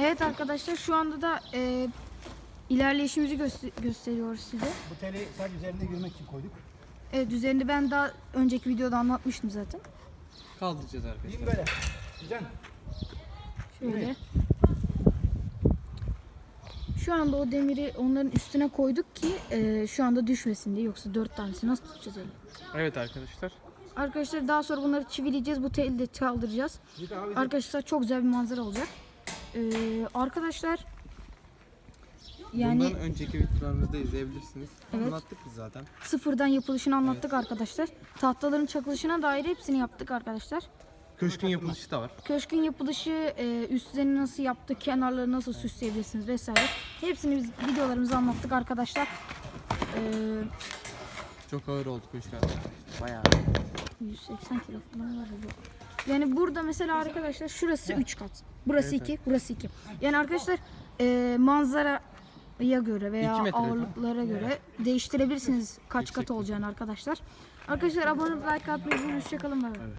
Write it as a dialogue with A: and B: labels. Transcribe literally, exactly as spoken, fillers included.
A: Evet arkadaşlar, şu anda da e, ilerleyişimizi göster gösteriyoruz size.
B: Bu teli sadece üzerinde yürümek için koyduk.
A: Evet, üzerinde ben daha önceki videoda anlatmıştım zaten.
C: Kaldıracağız arkadaşlar.
B: Yürüyün böyle. Can.
A: Şöyle. Şu anda o demiri onların üstüne koyduk ki e, şu anda düşmesin diye, yoksa dört tanesi nasıl tutacağız öyle?
C: Evet arkadaşlar.
A: Arkadaşlar daha sonra bunları çivileyeceğiz, bu teli de kaldıracağız. Arkadaşlar çok güzel bir manzara olacak. Ee, arkadaşlar yani
C: Bundan önceki videolarımızda izleyebilirsiniz.
A: Evet.
C: Anlattık biz zaten.
A: sıfırdan yapılışını anlattık arkadaşlar. Tahtaların çakılışına dair hepsini yaptık arkadaşlar.
C: Köşkün yapılışı da var.
A: Köşkün yapılışı, e, üstlerini nasıl yaptık, kenarları nasıl süsleyebilirsiniz vesaire. Hepsini biz videolarımızda anlattık arkadaşlar. Ee,
C: Çok ağır oldu köşk. Bayağı.
A: yüz seksen kilo falan var bu. Yani burada mesela arkadaşlar şurası üç kat. Burası iki, burası iki. Yani arkadaşlar e, manzaraya göre veya
C: İki metre.
A: ağırlıklara göre değiştirebilirsiniz kaç kat olacağını arkadaşlar. Arkadaşlar abone olup like atmayı unutmayın. Hoşçakalın.